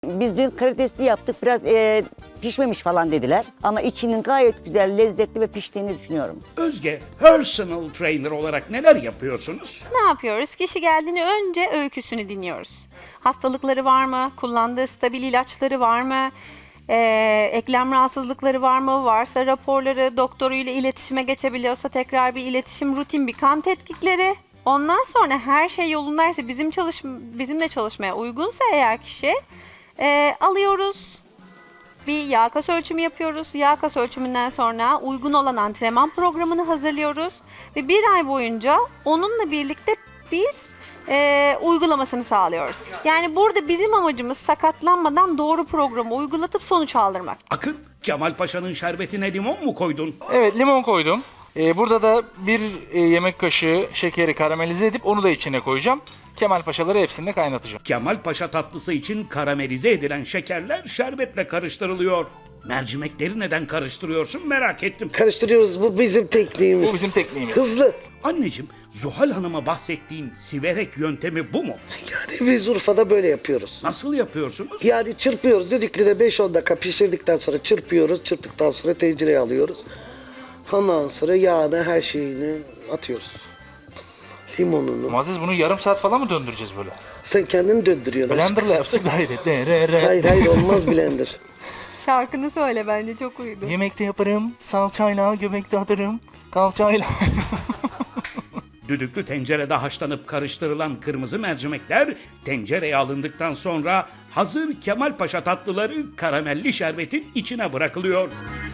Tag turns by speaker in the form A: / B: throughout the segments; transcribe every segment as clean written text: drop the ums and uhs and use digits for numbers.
A: Biz dün karidesli yaptık. Biraz pişmemiş falan dediler. Ama içinin gayet güzel, lezzetli ve piştiğini düşünüyorum.
B: Özge, personal trainer olarak neler yapıyorsunuz?
C: Ne yapıyoruz? Kişi geldiğinde önce öyküsünü dinliyoruz. Hastalıkları var mı? Kullandığı stabil ilaçları var mı? Eklem rahatsızlıkları var mı? Varsa raporları, doktoruyla iletişime geçebiliyorsa tekrar bir iletişim, rutin bir kan tetkikleri. Ondan sonra her şey yolundaysa bizimle çalışmaya uygunsa eğer kişi alıyoruz. Bir yağ kas ölçümü yapıyoruz. Yağ kas ölçümünden sonra uygun olan antrenman programını hazırlıyoruz. Ve bir ay boyunca onunla birlikte biz uygulamasını sağlıyoruz. Yani burada bizim amacımız sakatlanmadan doğru programı uygulatıp sonuç aldırmak.
B: Akın, Kemal Paşa'nın şerbetine limon mu koydun?
D: Evet, limon koydum. Burada da bir yemek kaşığı şekeri karamelize edip onu da içine koyacağım. Kemal Paşaları hepsini de kaynatacağım.
B: Kemal Paşa tatlısı için karamelize edilen şekerler şerbetle karıştırılıyor. Mercimekleri neden karıştırıyorsun merak ettim.
E: Karıştırıyoruz, bu bizim tekniğimiz.
D: Bu bizim tekniğimiz.
E: Hızlı.
B: Anneciğim, Zuhal Hanım'a bahsettiğin siverek yöntemi bu mu?
E: Yani biz Urfa'da böyle yapıyoruz.
B: Nasıl yapıyorsunuz?
E: Yani çırpıyoruz. Düdüklüde 5-10 dakika pişirdikten sonra çırpıyoruz. Çırptıktan sonra tencereye alıyoruz. Ondan sonra yağını, her şeyini atıyoruz. Limonunu.
D: Muazzez bunu yarım saat falan mı döndüreceğiz böyle?
E: Sen kendini döndürüyorsun.
D: Blender'la yapsak daha iyi.
E: Hayır olmaz blender.
C: Şarkını söyle bence çok uydu.
D: Yemekte yaparım, salçayla, göbekte atarım, kalçayla.
B: Düdüklü tencerede haşlanıp karıştırılan kırmızı mercimekler tencereye alındıktan sonra hazır Kemal Paşa tatlıları karamelli şerbetin içine bırakılıyor.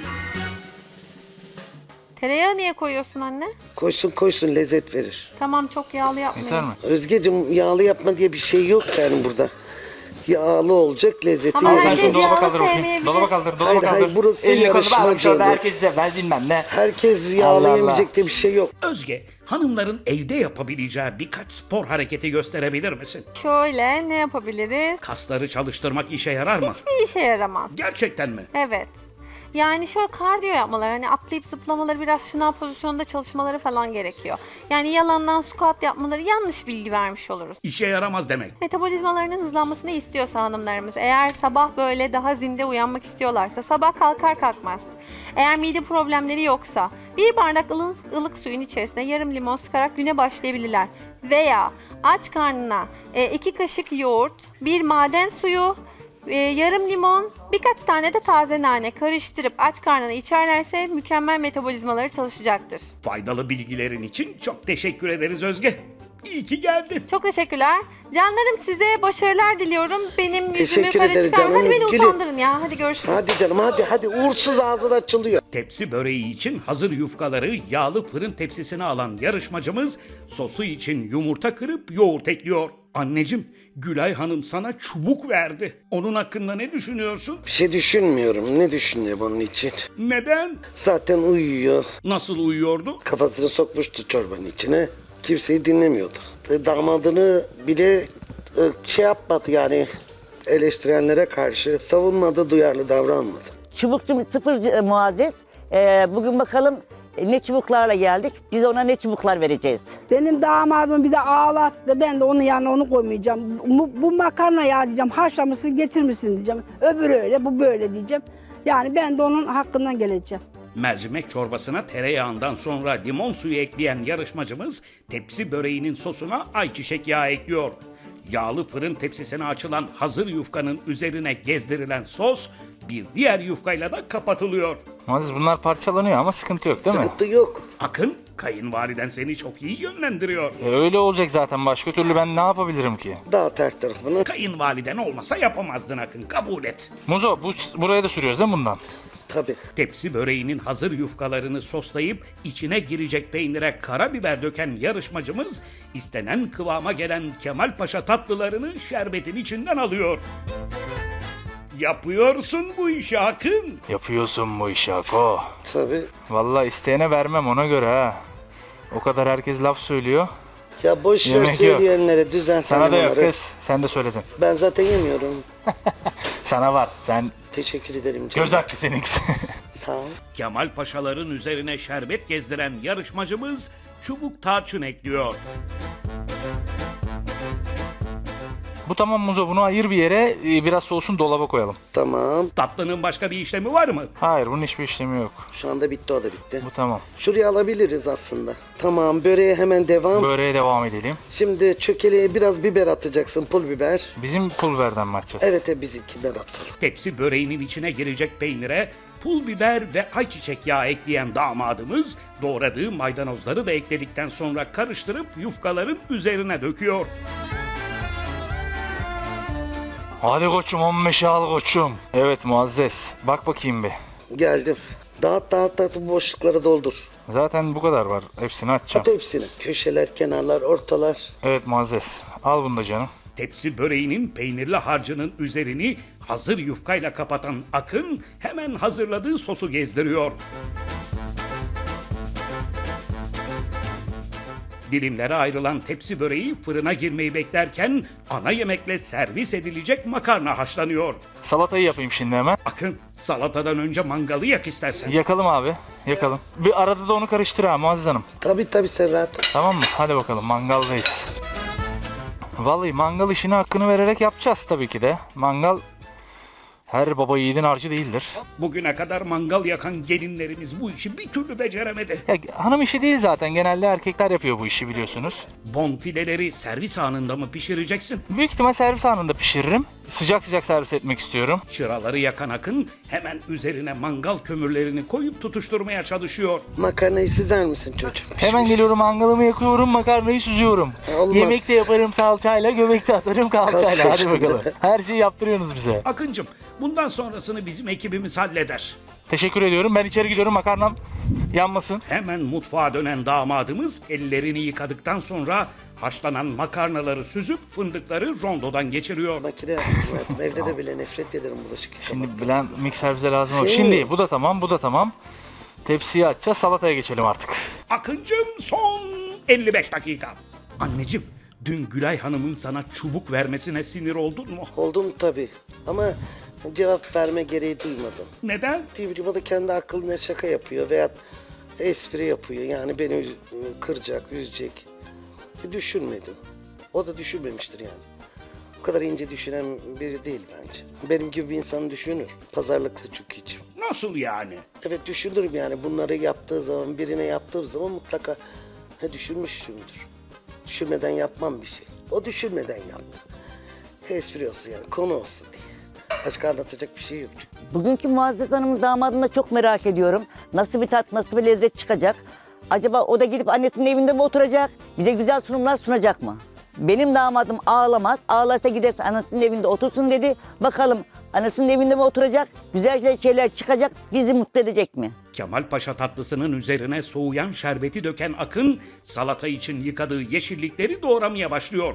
C: Tereyağı niye koyuyorsun anne?
E: Koysun lezzet verir.
C: Tamam, çok yağlı yapmayın.
D: Yeter mi?
E: Özgeciğim, yağlı yapma diye bir şey yok yani burada. Yağlı olacak, lezzeti
C: Ama
D: Al sen
E: verir.
D: şunu dolaba
C: yağlı
D: kaldır bakayım.
C: sevmeyebilir.
D: Dolaba kaldır, dolaba
E: Hayır,
D: kaldır.
E: hayır, burası
D: Elini koydu,
E: yarışma
D: bağırmış orada,
E: canı.
D: herkes sever bilmem ne.
E: Herkes
D: Allah
E: yağlı
D: Allah.
E: yemeyecek diye bir şey yok.
B: Özge, hanımların evde yapabileceği birkaç spor hareketi gösterebilir misin?
C: Şöyle ne yapabiliriz?
B: Kasları çalıştırmak işe yarar mı?
C: Bir işe yaramaz.
B: Gerçekten mi?
C: Evet. Yani şöyle kardiyo yapmaları, hani atlayıp zıplamaları, biraz şınav pozisyonda çalışmaları falan gerekiyor. Yani yalandan squat yapmaları, yanlış bilgi vermiş oluruz.
B: İşe yaramaz demek.
C: Metabolizmalarının hızlanmasını istiyorsa hanımlarımız, eğer sabah böyle daha zinde uyanmak istiyorlarsa sabah kalkar kalkmaz. Eğer mide problemleri yoksa bir bardak ılık suyun içerisine yarım limon sıkarak güne başlayabilirler. Veya aç karnına 2 kaşık yoğurt, bir maden suyu, yarım limon, birkaç tane de taze nane karıştırıp aç karnına içerlerse mükemmel metabolizmaları çalışacaktır.
B: Faydalı bilgilerin için çok teşekkür ederiz Özge. İyi ki geldin.
C: Çok teşekkürler. Canlarım, size başarılar diliyorum. Benim yüzümü
E: Teşekkür
C: kara
E: ederiz
C: çıkarma.
E: canım.
C: Hadi beni
E: Gülüm.
C: utandırın ya. Hadi görüşürüz.
E: Hadi canım, hadi uğursuz ağzın açılıyor.
B: Tepsi böreği için hazır yufkaları yağlı fırın tepsisine alan yarışmacımız sosu için yumurta kırıp yoğurt ekliyor. Anneciğim, Gülay Hanım sana çubuk verdi. Onun hakkında ne düşünüyorsun?
E: Bir şey düşünmüyorum. Ne düşünüyor bunun için?
B: Neden?
E: Zaten uyuyor.
B: Nasıl uyuyordu?
E: Kafasını sokmuştu çorbanın içine. Kimseyi dinlemiyordu. Damadını bile şey yapmadı yani, eleştirenlere karşı savunmadı, duyarlı davranmadı.
A: Çubukçu sıfır Muazzez. Bugün bakalım ne çubuklarla geldik. Biz ona ne çubuklar vereceğiz.
F: Benim damadım bir de ağlattı. Ben de onun yanına onu koymayacağım. Bu makarna ya diyeceğim. Haşlamışsın, getirmişsin diyeceğim. Öbürü öyle, bu böyle diyeceğim. Yani ben de onun hakkından geleceğim.
B: Mercimek çorbasına tereyağından sonra limon suyu ekleyen yarışmacımız tepsi böreğinin sosuna ayçiçek yağı ekliyor. Yağlı fırın tepsisine açılan hazır yufkanın üzerine gezdirilen sos bir diğer yufkayla da kapatılıyor.
D: Muazzez bunlar parçalanıyor ama sıkıntı yok değil mi?
E: Sıkıntı yok.
B: Akın, kayınvaliden seni çok iyi yönlendiriyor.
D: Öyle olacak zaten, başka türlü ben ne yapabilirim ki?
E: Dağıt her tarafını.
B: Kayınvaliden olmasa yapamazdın Akın, kabul et.
D: Muzo, buraya da sürüyoruz değil mi bundan?
E: Tabii.
B: Tepsi böreğinin hazır yufkalarını soslayıp içine girecek peynire karabiber döken yarışmacımız istenen kıvama gelen Kemal Paşa tatlılarını şerbetin içinden alıyor. Yapıyorsun bu işi Akın.
D: Yapıyorsun bu işi Ako.
E: Tabii.
D: Vallahi isteyene vermem, ona göre ha. O kadar herkes laf söylüyor.
E: Ya boş ver
D: Yemek yok.
E: söyleyenlere, düzen
D: Sana da yok
E: tanımaları.
D: kız. Sen de söyledin.
E: Ben zaten yemiyorum.
D: Sana var. Sen
E: Teşekkür ederim canım.
D: göz hakkı seninkisi.
E: Sağ ol.
B: Kemal Paşaların üzerine şerbet gezdiren yarışmacımız çubuk tarçın ekliyor.
D: Bu tamam Muzo, bunu ayır bir yere, biraz soğusun, dolaba koyalım.
E: Tamam.
B: Tatlının başka bir işlemi var mı?
D: Hayır, bunun hiçbir işlemi yok.
E: Şu anda bitti, o da bitti.
D: Bu tamam.
E: Şuraya alabiliriz aslında. Tamam, böreğe hemen devam.
D: Böreğe devam edelim.
E: Şimdi çökeleğe biraz biber atacaksın, pul biber.
D: Bizim pul biberden mi atacağız?
E: Evet, bizimkinden atalım.
B: Tepsi böreğinin içine girecek peynire pul biber ve ayçiçek yağı ekleyen damadımız doğradığı maydanozları da ekledikten sonra karıştırıp yufkaların üzerine döküyor.
D: Hadi koçum, 15'e al koçum. Evet Muazzez, bak bakayım bir.
E: Geldim. Dağıt bu boşlukları doldur.
D: Zaten bu kadar var. Hepsini atacağım.
E: At hepsini. Köşeler, kenarlar, ortalar.
D: Evet Muazzez, al bunu da canım.
B: Tepsi böreğinin peynirli harcının üzerini hazır yufkayla kapatan Akın hemen hazırladığı sosu gezdiriyor. Dilimlere ayrılan tepsi böreği fırına girmeyi beklerken ana yemekle servis edilecek makarna haşlanıyor.
D: Salatayı yapayım şimdi hemen.
B: Akın, salatadan önce mangalı yak istersen.
D: Yakalım abi, yakalım. Bir arada da onu karıştır ha Muazzez Hanım.
E: Tabii sen rahat ol.
D: Tamam mı? Hadi bakalım, mangaldayız. Vallahi mangal işini hakkını vererek yapacağız tabii ki de. Mangal her baba yiğidin harcı değildir.
B: Bugüne kadar mangal yakan gelinlerimiz bu işi bir türlü beceremedi.
D: Ya, hanım işi değil zaten. Genelde erkekler yapıyor bu işi, biliyorsunuz.
B: Bonfileleri servis anında mı pişireceksin?
D: Büyük ihtimal servis anında pişiririm. Sıcak sıcak servis etmek istiyorum.
B: Çıraları yakan Akın hemen üzerine mangal kömürlerini koyup tutuşturmaya çalışıyor.
E: Makarnayı süzer misin çocuğum?
D: Hemen geliyorum, mangalımı yakıyorum, makarnayı süzüyorum.
E: Olmaz.
D: Yemek de yaparım salçayla, göbek de atarım kalçayla. Hadi
E: Kalçayla.
D: bakalım. Her şeyi yaptırıyorsunuz bize.
B: Akıncım, bundan sonrasını bizim ekibimiz halleder.
D: Teşekkür ediyorum. Ben içeri gidiyorum, makarnam yanmasın.
B: Hemen mutfağa dönen damadımız ellerini yıkadıktan sonra haşlanan makarnaları süzüp fındıkları rondodan geçiriyor.
E: Makine yaptım. Evde de bile nefret ederim bulaşık yıkamak.
D: Şimdi blend mikser bize lazım.
E: Şey-
D: Şimdi bu da tamam, bu da tamam. Tepsiyi açacağız, salataya geçelim artık.
B: Akıncım son 55 dakika. Anneciğim, dün Gülay Hanım'ın sana çubuk vermesine sinir oldun mu?
E: Oldum tabii. Ama cevap verme gereği duymadım.
B: Neden?
E: O da kendi aklına şaka yapıyor veya espri yapıyor. Yani beni kıracak, üzecek. Düşünmedim. O da düşünmemiştir yani. O kadar ince düşünen biri değil bence. Benim gibi bir insan düşünür. Pazarlıklı çünkü hiç.
B: Nasıl yani?
E: Evet düşünürüm yani bunları yaptığı zaman, birine yaptığım zaman mutlaka düşünmüşümdür. Düşünmeden yapmam bir şey. O düşünmeden yaptı. Espri olsun yani, konu olsun diye. Başka anlatacak bir şey yok çünkü.
A: Bugünkü Muazzez Hanım'ın damadını da çok merak ediyorum. Nasıl bir tat, nasıl bir lezzet çıkacak? Acaba o da gidip annesinin evinde mi oturacak? Bize güzel sunumlar sunacak mı? Benim damadım ağlamaz. Ağlarsa giderse anasının evinde otursun dedi. Bakalım anasının evinde mi oturacak? Güzel şeyler çıkacak. Bizi mutlu edecek mi?
B: Kemal Paşa tatlısının üzerine soğuyan şerbeti döken Akın, salata için yıkadığı yeşillikleri doğramaya başlıyor.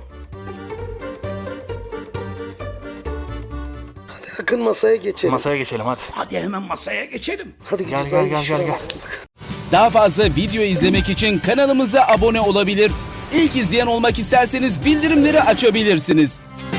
E: Hadi Akın masaya geçelim.
D: Masaya geçelim hadi.
B: Hadi hemen masaya geçelim.
E: Hadi
D: Gel,
E: güzel
D: gel,
E: bir şey
D: gel, gel.
E: var.
G: Daha fazla video izlemek için kanalımıza abone olabilir. İlk izleyen olmak isterseniz bildirimleri açabilirsiniz.